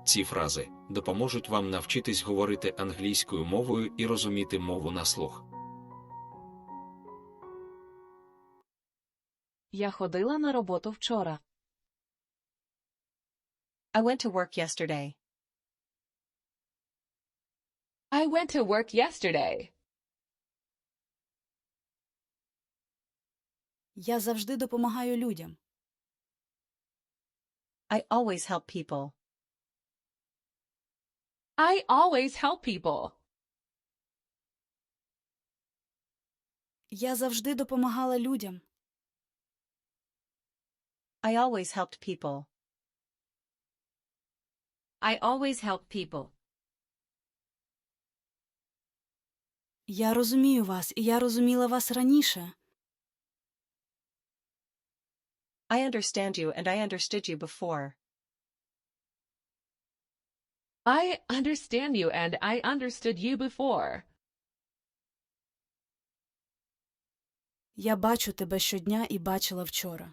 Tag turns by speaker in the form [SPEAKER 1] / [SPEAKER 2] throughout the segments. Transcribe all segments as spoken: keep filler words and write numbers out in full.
[SPEAKER 1] Ці фрази допоможуть вам навчитись говорити англійською мовою і розуміти мову на слух.
[SPEAKER 2] Я ходила на роботу вчора.
[SPEAKER 3] I went to work yesterday.
[SPEAKER 4] I went to work yesterday.
[SPEAKER 5] Я завжди допомагаю людям.
[SPEAKER 3] I always help people.
[SPEAKER 4] I always help people.
[SPEAKER 5] Я завжди допомагала людям.
[SPEAKER 3] I always helped people.
[SPEAKER 2] I always help people.
[SPEAKER 5] Я розумію вас, і я розуміла вас раніше.
[SPEAKER 3] I understand you and I understood you before.
[SPEAKER 4] I understand you and I understood you before.
[SPEAKER 5] Я бачу тебе щодня і бачила вчора.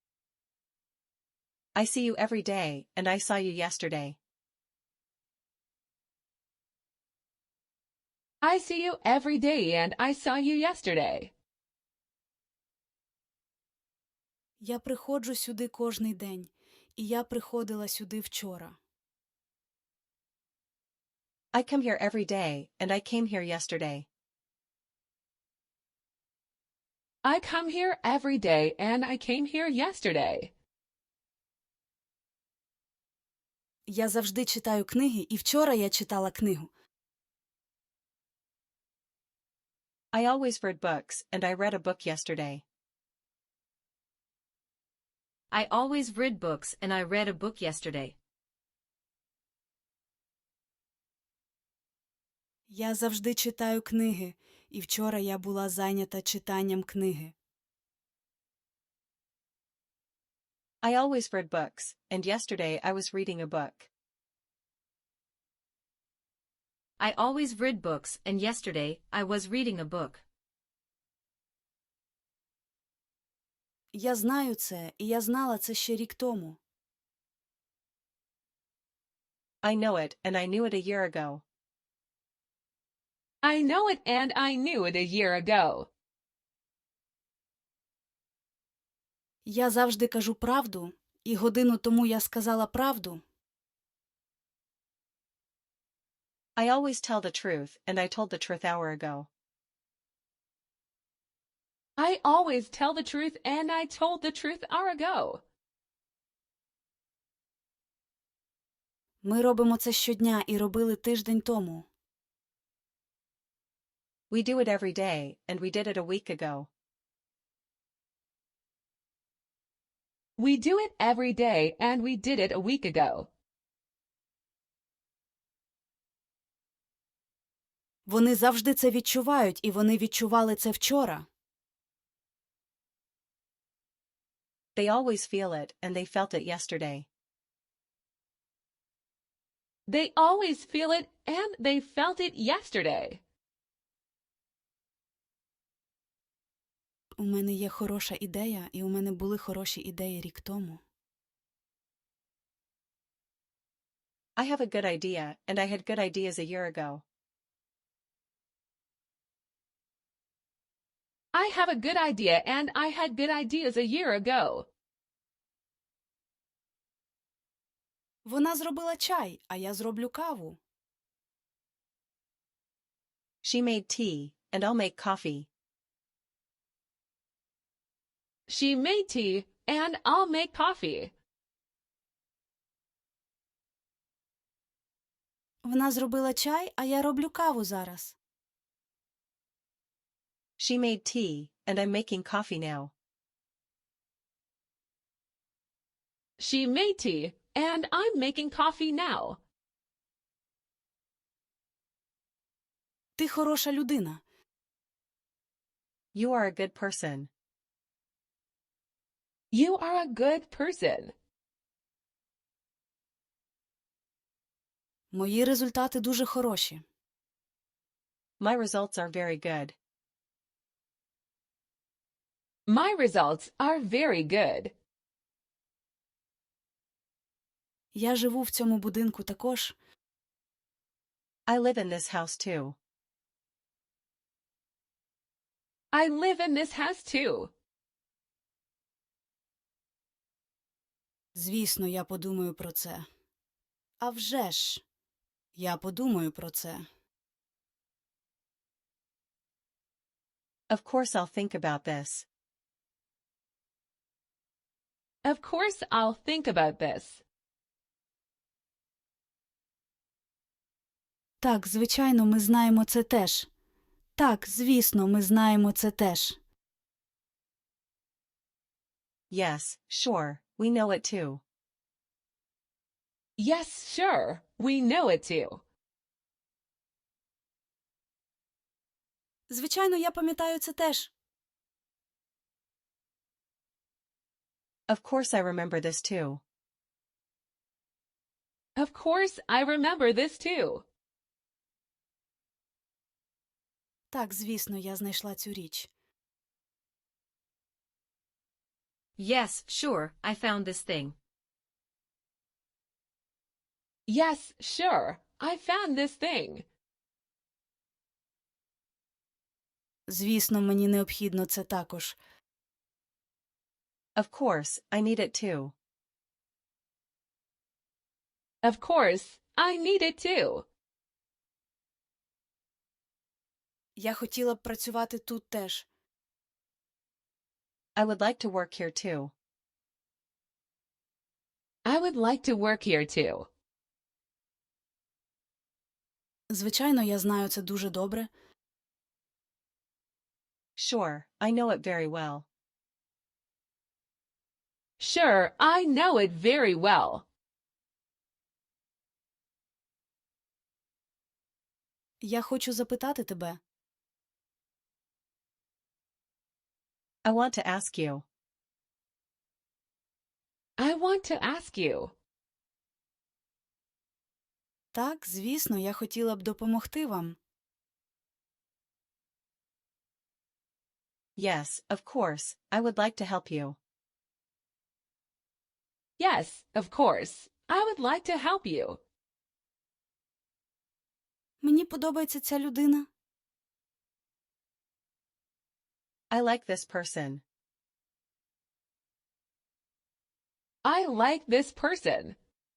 [SPEAKER 3] I see you every day, and I saw you yesterday.
[SPEAKER 4] I see you every day and I saw you yesterday.
[SPEAKER 5] Я приходжу сюди кожний день, і я приходила сюди вчора.
[SPEAKER 3] I come here every day, and I came here yesterday.
[SPEAKER 4] I come here every day and I came here yesterday.
[SPEAKER 5] Я завжди читаю книги, і вчора я читала книгу.
[SPEAKER 3] I always read books, and I read a book yesterday.
[SPEAKER 2] I always read books and I read a book yesterday.
[SPEAKER 5] Я завжди читаю книги, і вчора я була зайнята читанням книги.
[SPEAKER 3] I always read books, and yesterday I was reading a book.
[SPEAKER 2] I always read books and yesterday I was reading a book.
[SPEAKER 5] Я знаю це, і я знала це ще рік тому.
[SPEAKER 3] I know it, and I knew it a year ago.
[SPEAKER 4] I know it and I knew it a year ago.
[SPEAKER 5] Я завжди кажу правду, і годину тому я сказала правду.
[SPEAKER 3] I always tell the truth, and I told the truth hour ago.
[SPEAKER 4] I always tell the truth and I told the truth hour ago.
[SPEAKER 5] Ми робимо це щодня і робили тиждень тому.
[SPEAKER 3] We do it every day, and we did it a week ago.
[SPEAKER 4] We do it every day and we did it a week ago.
[SPEAKER 5] Вони завжди це відчувають, і вони відчували це вчора.
[SPEAKER 3] They always feel it, and they felt it yesterday.
[SPEAKER 4] They always feel it and they felt it yesterday.
[SPEAKER 5] У мене є хороша ідея, і у мене були хороші ідеї рік тому.
[SPEAKER 3] I have a good idea, and I had good ideas a year ago.
[SPEAKER 4] I have a good idea and I had good ideas a year ago.
[SPEAKER 5] Вона зробила чай, а я зроблю каву.
[SPEAKER 3] She made tea, and I'll make coffee.
[SPEAKER 4] She made tea and I'll make coffee.
[SPEAKER 5] Вона зробила чай, а я роблю каву зараз.
[SPEAKER 3] She made tea, and I'm making coffee now.
[SPEAKER 4] She made tea and I'm making coffee now.
[SPEAKER 5] Ти хороша людина.
[SPEAKER 3] You are a good person.
[SPEAKER 4] You are a good person.
[SPEAKER 5] Мої результати дуже хороші.
[SPEAKER 3] My results are very good.
[SPEAKER 4] My results are very good.
[SPEAKER 5] Я живу в цьому будинку також.
[SPEAKER 3] I live in this house too.
[SPEAKER 4] I live in this house too.
[SPEAKER 5] Звісно, я подумаю про це. А вже ж, я подумаю про це.
[SPEAKER 3] Of course I'll think about this.
[SPEAKER 4] Of course I'll think about this.
[SPEAKER 5] Так, звичайно, ми знаємо це теж. Так, звісно, ми знаємо це теж.
[SPEAKER 3] Yes, sure, we know it too.
[SPEAKER 4] Yes, sure. We know it too.
[SPEAKER 5] Звичайно, я пам'ятаю це теж.
[SPEAKER 3] Of course I remember this too.
[SPEAKER 4] Of course I remember this too.
[SPEAKER 5] Так, звісно, я знайшла цю річ.
[SPEAKER 2] Yes, sure, I found this thing.
[SPEAKER 4] Yes, sure. I found this thing.
[SPEAKER 5] Звісно, мені необхідно це також.
[SPEAKER 3] Of course, I need it too.
[SPEAKER 4] Of course, I need it too.
[SPEAKER 5] Я хотіла б працювати тут теж.
[SPEAKER 3] I would like to work here too.
[SPEAKER 4] I would like to work here too.
[SPEAKER 5] Звичайно, я знаю це дуже добре.
[SPEAKER 3] Sure, I know it very well.
[SPEAKER 4] Sure, I know it very well.
[SPEAKER 5] Я хочу запитати тебе.
[SPEAKER 3] I want to ask you.
[SPEAKER 4] I want to ask you.
[SPEAKER 5] Так, звісно, я хотіла б допомогти вам.
[SPEAKER 3] Yes, of course, I would like to help you.
[SPEAKER 4] Yes, of course. I would like to help you.
[SPEAKER 5] Мені подобається ця людина.
[SPEAKER 3] I like this person.
[SPEAKER 4] I like this person.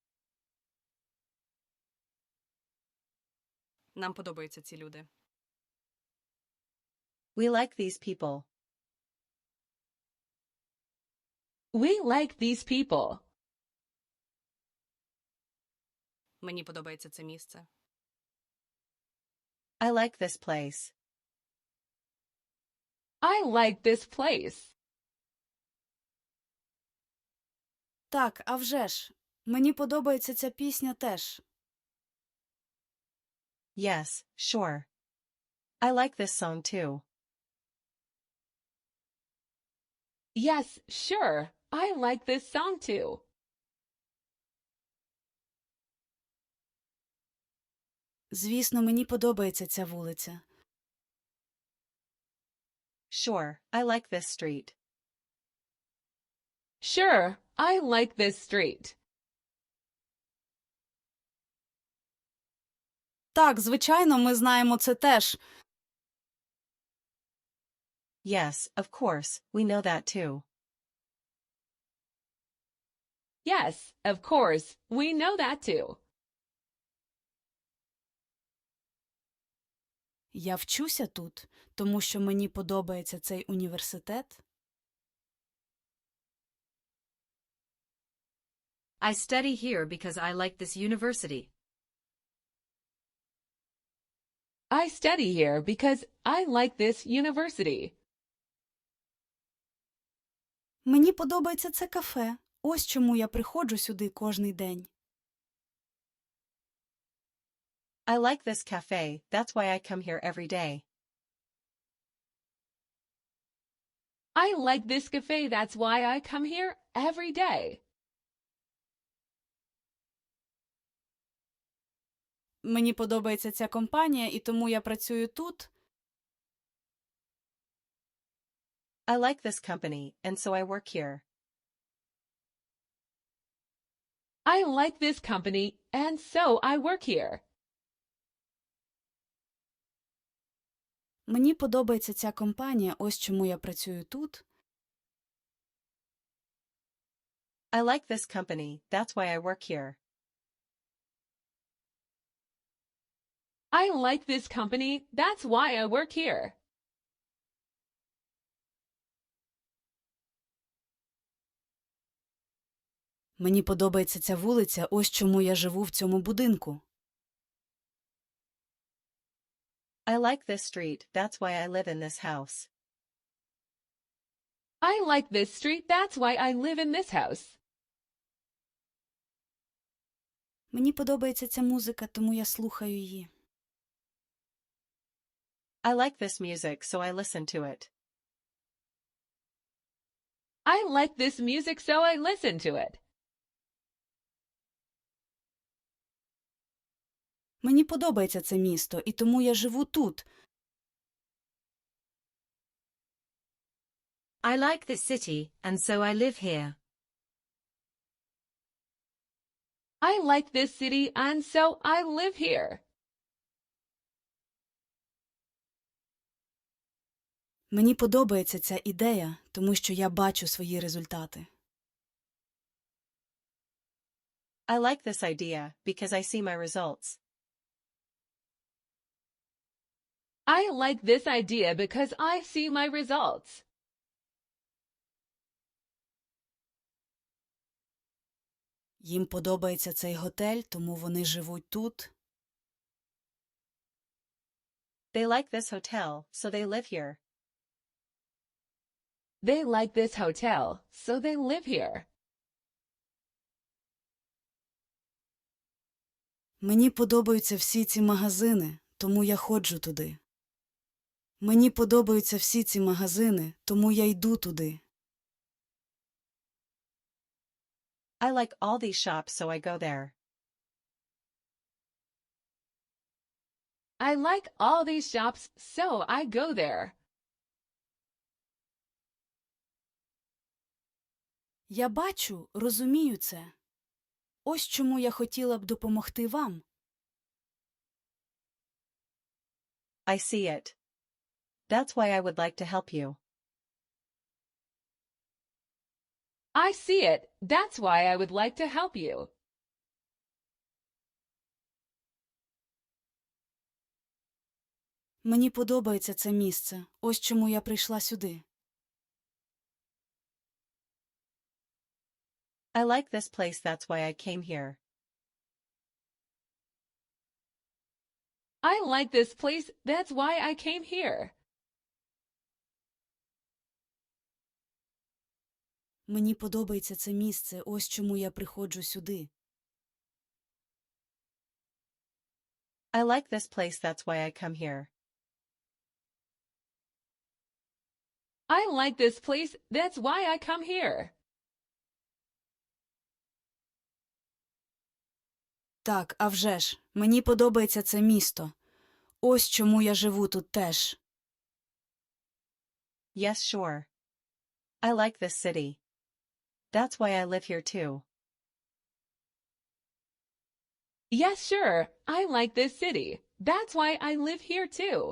[SPEAKER 5] Нам подобаються ці люди.
[SPEAKER 3] We like these people.
[SPEAKER 4] We like these people.
[SPEAKER 5] Мені подобається це місце.
[SPEAKER 3] I like this place.
[SPEAKER 4] I like this place.
[SPEAKER 5] Так, а вже ж. Мені подобається ця пісня теж.
[SPEAKER 3] Yes, sure. I like this song too.
[SPEAKER 4] Yes, sure. I like this song too.
[SPEAKER 5] Звісно, мені подобається ця вулиця.
[SPEAKER 3] Sure, I like this street.
[SPEAKER 4] Sure, I like this street.
[SPEAKER 5] Так, звичайно, ми знаємо це теж.
[SPEAKER 3] Yes, of course, we know that too.
[SPEAKER 4] Yes, of course. We know that too.
[SPEAKER 5] Я вчуся тут, тому що мені подобається цей університет.
[SPEAKER 2] I study here because I like this university.
[SPEAKER 4] I study here because I like this university.
[SPEAKER 5] Мені подобається це кафе. Ось чому я приходжу сюди кожний день.
[SPEAKER 3] I like this cafe, that's why I come here every day.
[SPEAKER 4] I like this cafe, that's why I come here every day.
[SPEAKER 5] Мені подобається ця компанія, і тому я працюю тут.
[SPEAKER 3] I like this company, and so I work here.
[SPEAKER 4] I like this company, and so I work here.
[SPEAKER 5] Мені подобається ця компанія, ось чому я працюю тут.
[SPEAKER 3] I like this company, that's why I work here.
[SPEAKER 4] I like this company, that's why I work here.
[SPEAKER 5] Мені подобається ця вулиця, ось чому я живу в цьому будинку.
[SPEAKER 3] I like this street, that's why I live in this house.
[SPEAKER 4] I like this street, that's why I live in this house.
[SPEAKER 5] Мені подобається ця музика, тому я слухаю її.
[SPEAKER 3] I like this music, so I listen to it.
[SPEAKER 4] I like this music, so I listen to it.
[SPEAKER 5] Мені подобається це місто, і тому я живу тут.
[SPEAKER 2] I like this city, and so I live here.
[SPEAKER 4] I like this city, and so I live here.
[SPEAKER 5] Мені подобається ця ідея, тому що я бачу свої результати.
[SPEAKER 3] I like this idea, because I see my results.
[SPEAKER 4] I like this idea because I see my results.
[SPEAKER 5] Їм подобається цей готель, тому вони живуть тут.
[SPEAKER 3] They like this hotel, so they live here.
[SPEAKER 4] They like this hotel, so they live here.
[SPEAKER 5] Мені подобаються всі ці магазини, тому я ходжу туди. Мені подобаються всі ці магазини, тому я йду туди.
[SPEAKER 3] I like all these shops, so I go there.
[SPEAKER 4] I like all these shops, so I go there.
[SPEAKER 5] Я бачу, розумію це. Ось чому я хотіла б допомогти вам.
[SPEAKER 3] I see it. That's why I would like to help you.
[SPEAKER 4] I see it. That's why I would like to help you.
[SPEAKER 5] Мені подобається це місце. Ось чому я прийшла сюди.
[SPEAKER 3] I like this place, that's why I came here.
[SPEAKER 4] I like this place, that's why I came here.
[SPEAKER 5] Мені подобається це місце. Ось чому я приходжу сюди.
[SPEAKER 3] I like this place, that's why I come here.
[SPEAKER 4] I like this place, that's why I come here.
[SPEAKER 5] Так, а вже ж, мені подобається це місто. Ось чому я живу тут теж.
[SPEAKER 3] Yes, sure. I like this city. That's why I live here too.
[SPEAKER 4] Yes, sure. I like this city. That's why I live here too.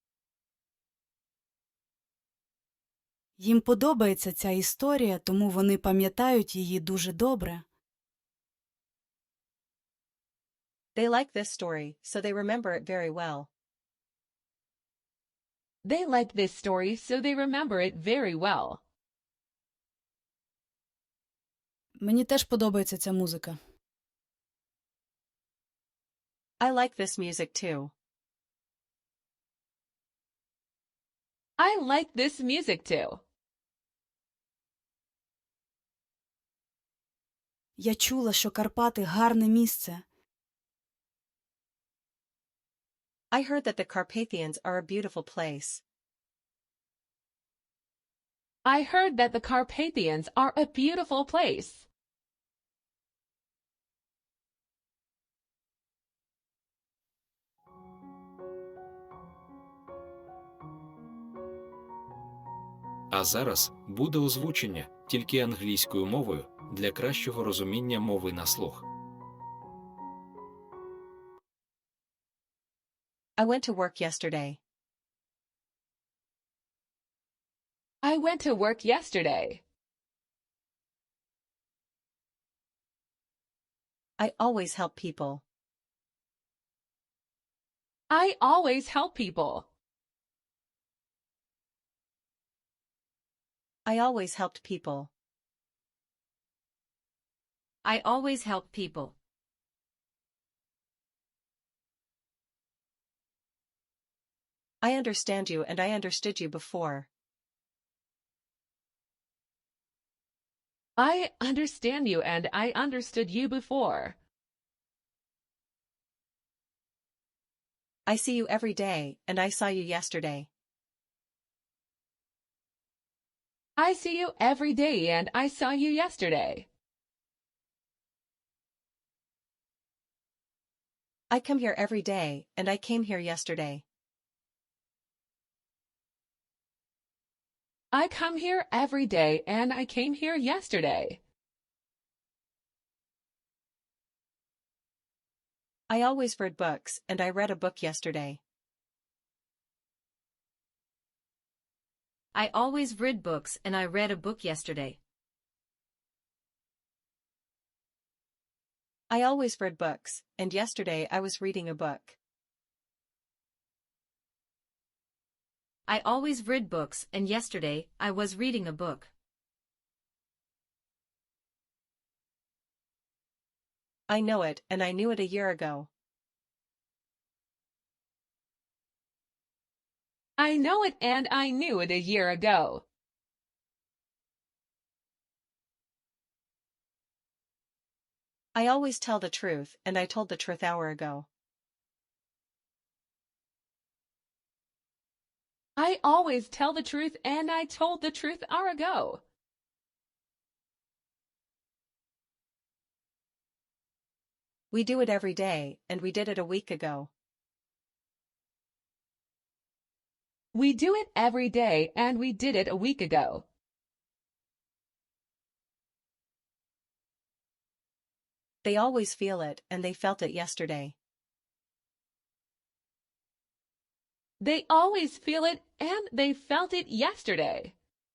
[SPEAKER 5] Їм подобається ця історія, тому вони пам'ятають її дуже добре.
[SPEAKER 3] They like this story, so they remember it very well.
[SPEAKER 4] They like this story, so they remember it very well.
[SPEAKER 5] Мені теж подобається ця музика.
[SPEAKER 3] I like this music too.
[SPEAKER 4] I like this music too.
[SPEAKER 5] Я чула, що Карпати – гарне місце.
[SPEAKER 3] I heard that the Carpathians are a beautiful place.
[SPEAKER 4] I heard that the Carpathians are a beautiful place.
[SPEAKER 1] А зараз буде озвучення тільки англійською мовою. Для кращого розуміння мови на слух.
[SPEAKER 3] I went to work yesterday.
[SPEAKER 4] I went to work yesterday.
[SPEAKER 3] I always help people.
[SPEAKER 4] I always help people.
[SPEAKER 3] I always helped people.
[SPEAKER 2] I always help people.
[SPEAKER 3] I understand you and I understood you before.
[SPEAKER 4] I understand you and I understood you before.
[SPEAKER 3] I see you every day and I saw you yesterday.
[SPEAKER 4] I see you every day and I saw you yesterday.
[SPEAKER 3] I come here every day and I came here yesterday.
[SPEAKER 4] I come here every day and I came here yesterday.
[SPEAKER 3] I always read books and I read a book yesterday.
[SPEAKER 2] I always read books and I read a book yesterday.
[SPEAKER 3] I always read books, and yesterday I was reading a book.
[SPEAKER 2] I always read books and yesterday I was reading a book.
[SPEAKER 3] I know it and I knew it a year ago.
[SPEAKER 4] I know it and I knew it a year ago.
[SPEAKER 3] I always tell the truth and I told the truth hour ago.
[SPEAKER 4] I always tell the truth and I told the truth hour ago.
[SPEAKER 3] We do it every day and we did it a week ago.
[SPEAKER 4] We do it every day and we did it a week ago.
[SPEAKER 3] They always feel it and they felt it yesterday.
[SPEAKER 4] They always feel it and they felt it yesterday.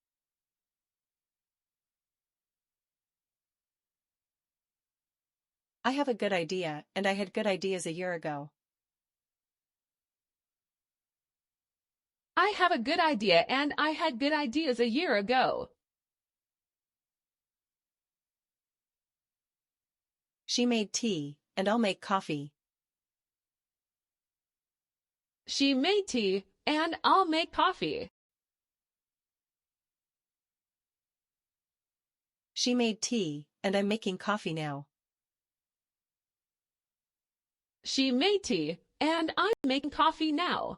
[SPEAKER 3] I have a good idea and I had good ideas a year ago.
[SPEAKER 4] I have a good idea and I had good ideas a year ago.
[SPEAKER 3] She made tea, and I'll make coffee.
[SPEAKER 4] She made tea and I'll make coffee.
[SPEAKER 3] She made tea, and I'm making coffee now.
[SPEAKER 4] She made tea and I'm making coffee now.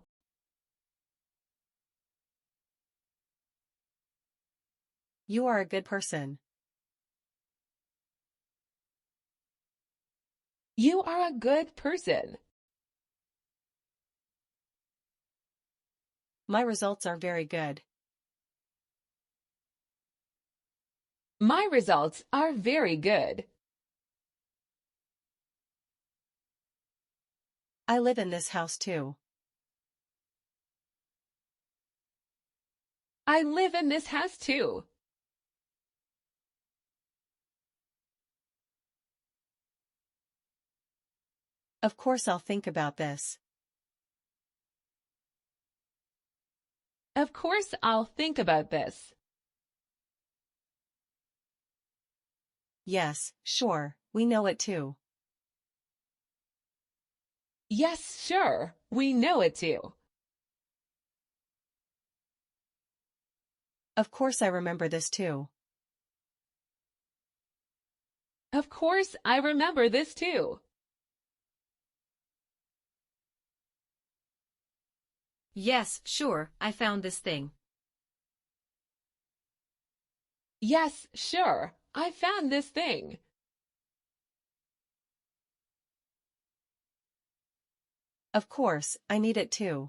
[SPEAKER 3] You are a good person.
[SPEAKER 4] You are a good person.
[SPEAKER 3] My results are very good.
[SPEAKER 4] My results are very good.
[SPEAKER 3] I live in this house too.
[SPEAKER 4] I live in this house too.
[SPEAKER 3] Of course I'll think about this.
[SPEAKER 4] Of course I'll think about this.
[SPEAKER 3] Yes, sure, we know it too.
[SPEAKER 4] Yes, sure, we know it too.
[SPEAKER 3] Of course I remember this too.
[SPEAKER 4] Of course I remember this too.
[SPEAKER 2] Yes, sure, I found this thing.
[SPEAKER 4] Yes, sure, I found this thing.
[SPEAKER 3] Of course, I need it too.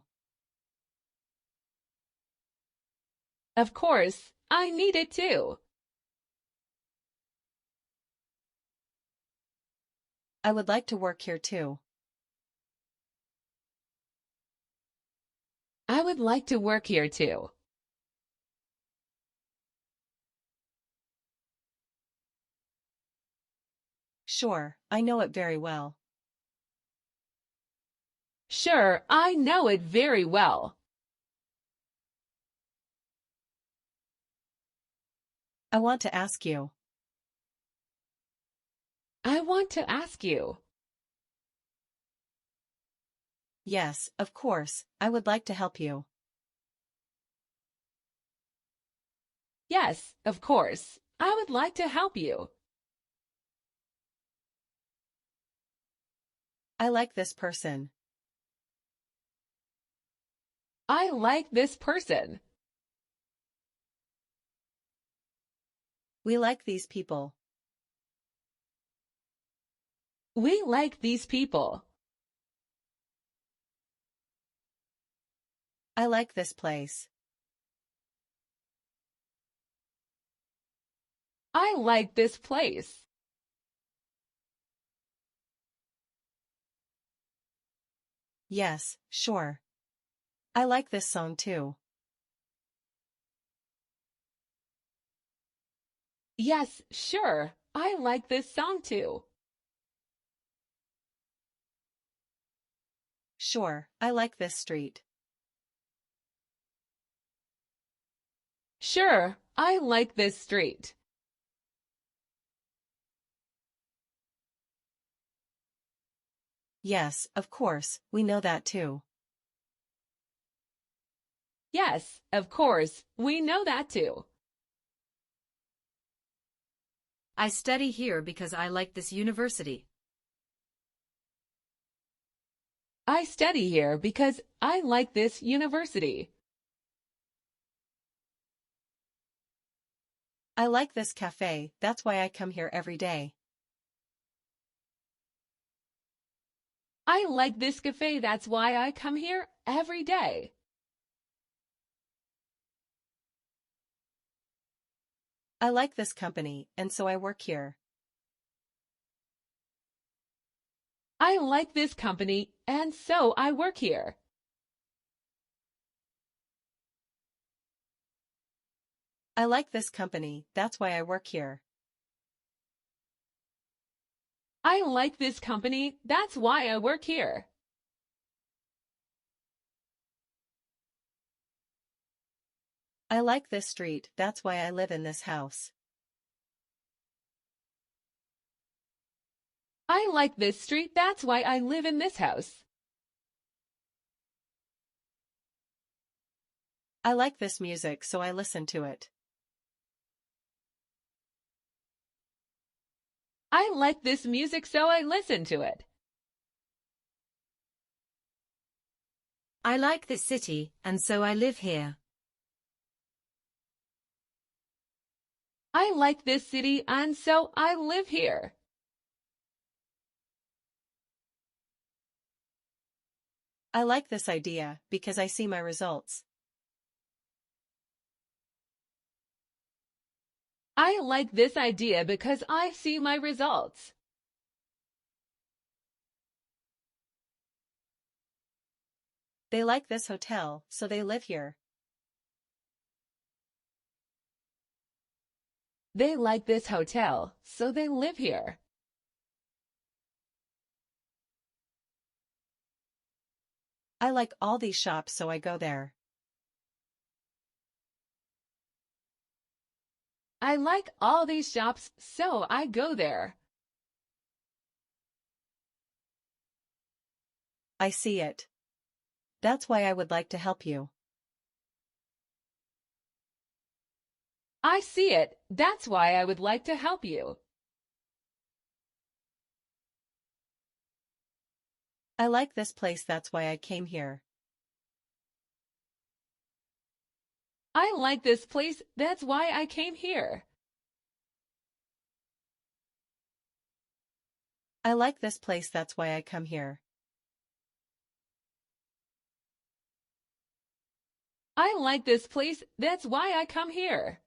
[SPEAKER 4] Of course, I need it too.
[SPEAKER 3] I would like to work here too.
[SPEAKER 4] I would like to work here too.
[SPEAKER 3] Sure, I know it very well.
[SPEAKER 4] Sure, I know it very well.
[SPEAKER 3] I want to ask you.
[SPEAKER 4] I want to ask you.
[SPEAKER 3] Yes, of course, I would like to help you.
[SPEAKER 4] Yes, of course. I would like to help you.
[SPEAKER 3] I like this person.
[SPEAKER 4] I like this person.
[SPEAKER 3] We like these people.
[SPEAKER 4] We like these people.
[SPEAKER 3] I like this place.
[SPEAKER 4] I like this place.
[SPEAKER 3] Yes, sure. I like this song too.
[SPEAKER 4] Yes, sure. I like this song too.
[SPEAKER 3] Sure, I like this street.
[SPEAKER 4] Sure, I like this street.
[SPEAKER 3] Yes, of course, we know that too.
[SPEAKER 4] Yes, of course. We know that too.
[SPEAKER 2] I study here because I like this university.
[SPEAKER 4] I study here because I like this university.
[SPEAKER 3] I like this cafe, that's why I come here every day.
[SPEAKER 4] I like this cafe, that's why I come here every day.
[SPEAKER 3] I like this company, and so I work here.
[SPEAKER 4] I like this company, and so I work here.
[SPEAKER 3] I like this company, that's why I work here.
[SPEAKER 4] I like this company, that's why I work here.
[SPEAKER 3] I like this street, that's why I live in this house.
[SPEAKER 4] I like this street, that's why I live in this house.
[SPEAKER 3] I like this music, so I listen to it.
[SPEAKER 4] I like this music, so I listen to it.
[SPEAKER 2] I like this city, and so I live here.
[SPEAKER 4] I like this city, and so I live here.
[SPEAKER 3] I like this idea, because I see my results.
[SPEAKER 4] I like this idea because I see my results.
[SPEAKER 3] They like this hotel, so they live here.
[SPEAKER 4] They like this hotel, so they live here.
[SPEAKER 3] I like all these shops, so I go there.
[SPEAKER 4] I like all these shops, so I go there.
[SPEAKER 3] I see it. That's why I would like to help you.
[SPEAKER 4] I see it. That's why I would like to help you.
[SPEAKER 3] I like this place, that's why I came here.
[SPEAKER 4] I like this place, that's why I came here.
[SPEAKER 3] I like this place, that's why I come here.
[SPEAKER 4] I like this place, that's why I come here.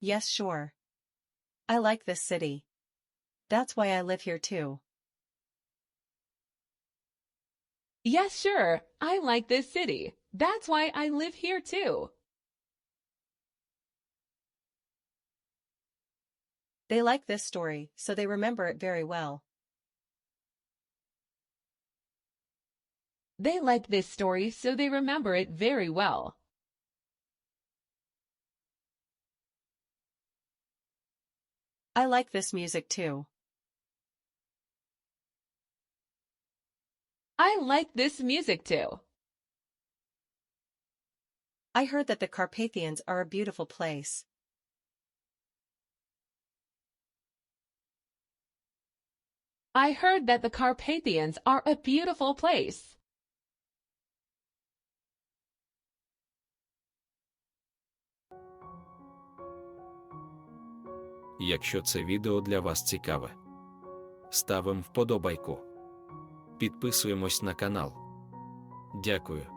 [SPEAKER 3] Yes, sure. I like this city. That's why I live here too.
[SPEAKER 4] Yes, sure. I like this city. That's why I live here too.
[SPEAKER 3] They like this story, so they remember it very well.
[SPEAKER 4] They like this story, so they remember it very well.
[SPEAKER 3] I like this music too.
[SPEAKER 4] I like this music too.
[SPEAKER 3] I heard that the Carpathians are a beautiful place.
[SPEAKER 4] I heard that the Carpathians are a beautiful place.
[SPEAKER 1] Якщо це відео для вас цікаве, ставимо вподобайку. Підписуємось на канал. Дякую.